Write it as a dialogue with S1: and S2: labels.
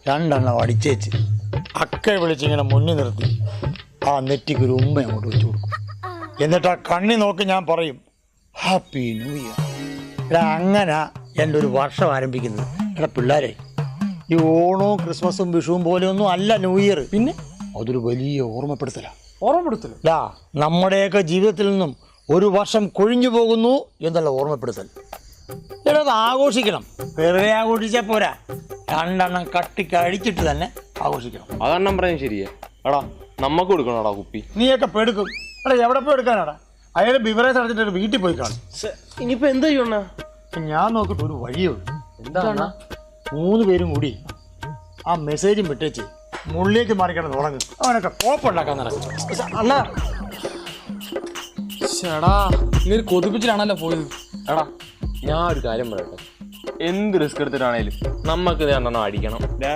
S1: രണ്ടെണ്ണം അടിച്ചേച്ച് അക്കെ വിളിച്ചിങ്ങനെ മുന്നിൽ നിർത്തി ആ നെറ്റിക്ക് ഒരു ഉമ്മ അങ്ങോട്ട് വെച്ച് കൊടുക്കും. എന്നിട്ട് ആ കണ്ണി നോക്കി ഞാൻ പറയും ഹാപ്പി ന്യൂ ഇയർ. എടാ അങ്ങനെ എൻ്റെ ഒരു വർഷം ആരംഭിക്കുന്നത്. എടാ പിള്ളേരെ, ഈ ഓണവും ക്രിസ്മസും വിഷുവും പോലെയൊന്നും അല്ല ന്യൂ ഇയർ. പിന്നെ അതൊരു വലിയ ഓർമ്മപ്പെടുത്തല. നമ്മുടെയൊക്കെ ജീവിതത്തിൽ നിന്നും ഒരു വർഷം കൊഴിഞ്ഞു പോകുന്നു എന്നുള്ള ഓർമ്മപ്പെടുത്തൽ. എടാ അത് ആഘോഷിക്കണം. വെറുതെ ആഘോഷിച്ചാൽ പോരാ, രണ്ടെണ്ണം കട്ടിക്കഴിച്ചിട്ട് തന്നെ ആഘോഷിക്കണം.
S2: അതെണ്ണം പറയാൻ ശരിയാ. എടാ നമ്മക്ക് കൊടുക്കണോടാ കുപ്പി.
S1: നീയൊക്കെ പെടുക്കും. എടാ എവിടെ പോയി എടുക്കാനാടാ? അയാൾ ബിവറേജ് അടച്ചിട്ട് വീട്ടിൽ പോയി കാണും.
S2: ഇനിയിപ്പോ എന്താ ചെയ്യണ?
S1: ഞാൻ നോക്കിയിട്ട് ഒരു വഴിയുള്ളൂ.
S2: എന്താണ്?
S1: 3 പേരും കൂടി ആ മെസ്സേജും വിട്ടേച്ച് മുള്ളിലേക്ക് മാറിക്കണം തുടങ്ങും. അവനൊക്കെ കോപ്പുണ്ടാക്കാൻ നടക്കും.
S3: അണ്ണാ ചേടാ, ഇങ്ങനെ കൊതിപ്പിച്ചിട്ടാണല്ലോ പോയത്.
S2: എടാ ഞാൻ ഒരു കാര്യം പറയട്ടെ, എന്ത് റിസ്ക് എടുത്തിട്ടാണേലും നമ്മക്ക് രണ്ടെണ്ണം അടിക്കണം.